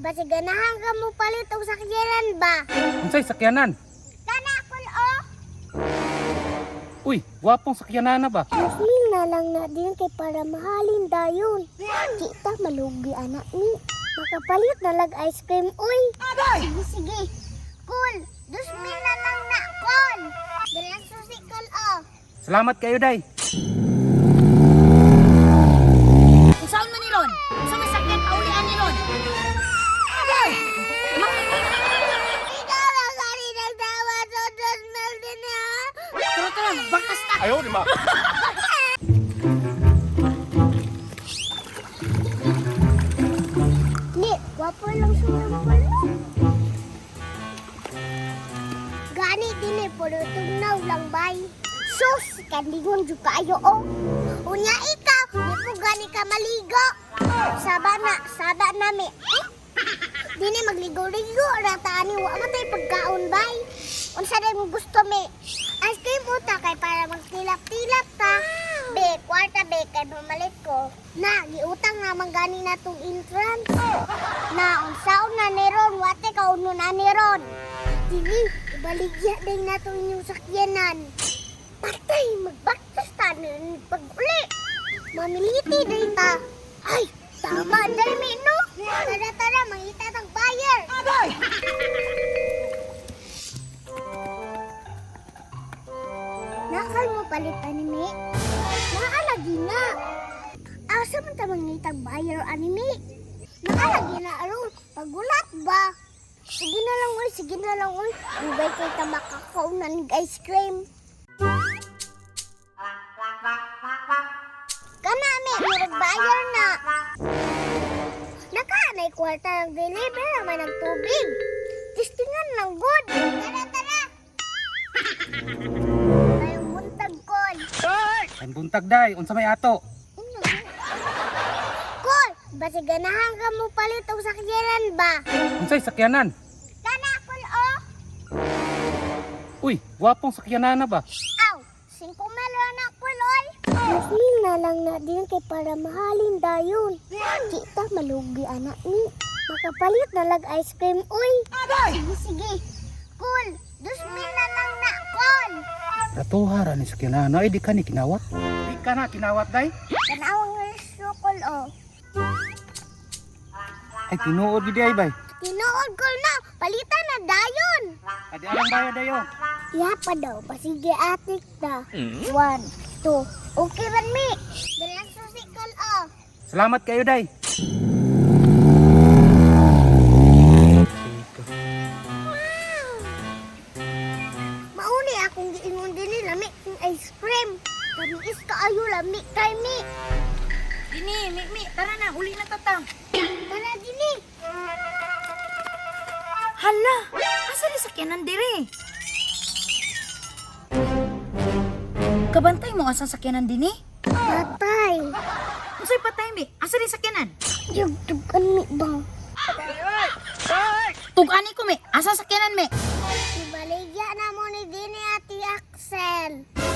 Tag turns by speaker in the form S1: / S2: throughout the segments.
S1: basi ganahan ka mo palit og sakyanan ba?
S2: Unsay sakyanan?
S1: Kana kun o.
S2: Uy, gwapong sakyanan na ba?
S1: Muslim na lang na din kay para mahalin dayon. Kita malugi anak ni. Makapalit na lag ice cream uy. Sige sige. Cool. 2,000 na lang na kon. Dala susikal o.
S2: Salamat kayo, day.
S3: Unsaon man ni Ron? Sa may sakyan paulian ni Ron.
S1: Ikaw lang kani nagtawa sa 2,000 din ha.
S3: Tara, bakas ta.
S2: Ayaw, di ma.
S1: Ni, wapo lang sumambal mo. Gani din eh, puro tugnaw lang bay. Sus, kandigon jud kayo o. Unya ikaw, di po gani ka maligo. Saba na mi. Dini magligo-ligo, ratani wa matay pagkaon bay. Unsa day mo gusto mi? Ice cream uta kay para magtilap-tilap ta. Be, kwarta be kay bumalit ko. Na, giutang naman gani na tong entrance. Na, unsaon na ni Ron, wate ka uno na ni Ron. Sige, ibaligya din na to inyong sakyanan. Patay, magbaktas ta na pag-uli. Mamiliti din ta. Ay, tama din mi, no? Tara, mangita tang buyer.
S3: Abay!
S1: Nakal mo palit anime? Naalagi na. Asa man ta mangitang buyer anime? Naalagi na aron, pagulat ba? Sige na lang uy. Dugay kay ta makakaunan ng ice cream. Kanami, nag-buyer na. Nakaanay kwarta ng deliver naman ng tubig. Testingan lang good. Tara. Tayong muntag kon.
S2: Ang buntag, day. Unsa may ato?
S1: Kol, basi ganahan ka mo palit og sakyanan ba?
S2: Unsay sakyanan?
S1: Kana kol o.
S2: Uy, gwapong sakyanan na ba?
S1: Aw, 5 melo na kol oy. Muslim na lang na din kay para mahalin dayon. Kita malugi anak ni. Makapalit na lag ice cream uy. Sige. Cool, 2,000 na lang na kol.
S2: Ratuhara ni sakyanan. Ay, di ka ni kinawat. Di ka na kinawat, day.
S1: Kanawang resto kol o.
S2: Ay, tinuod gidi ay, bay.
S1: Tinuod kol na, palitan na dayon.
S2: Adi alang bayad dayo.
S1: Yapa daw, pasige atik ta. 1, 2. Okay man mi. Dalang susikal o.
S2: Salamat kayo, day.
S1: Mauni akong giingon din ni lami ng ice cream. Kamiis kaayo lami kay mi.
S3: Dini, mi, tara na, uli na tatang.
S1: Tara dini.
S3: Hala, asa ni sakyanan dire? Kabantay mo asa sakyanan dini?
S1: Patay.
S3: Unsay patay mi? Asa ni sakyanan?
S1: Yugtugan mi bang.
S3: Tugani ko mi, asa sakyanan mi?
S1: Ibaligya na mo ni dini ati Axel.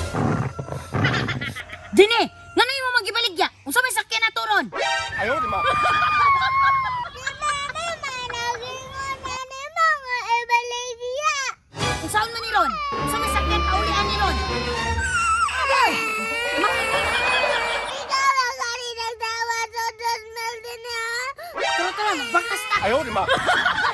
S3: Dini, nganoy mo magibaligya? Unsa may sakyan na turon?
S2: Ayaw, di ma.
S1: Managingon na ni mga ibaligya.
S3: Unsaon man ni Ron? Unsa may sakyan paulian ni Ron?
S1: Ikaw lang kani nagtawa sa 2,000 din ha.
S3: Tara, bakas ta.
S2: Ayaw, di ma.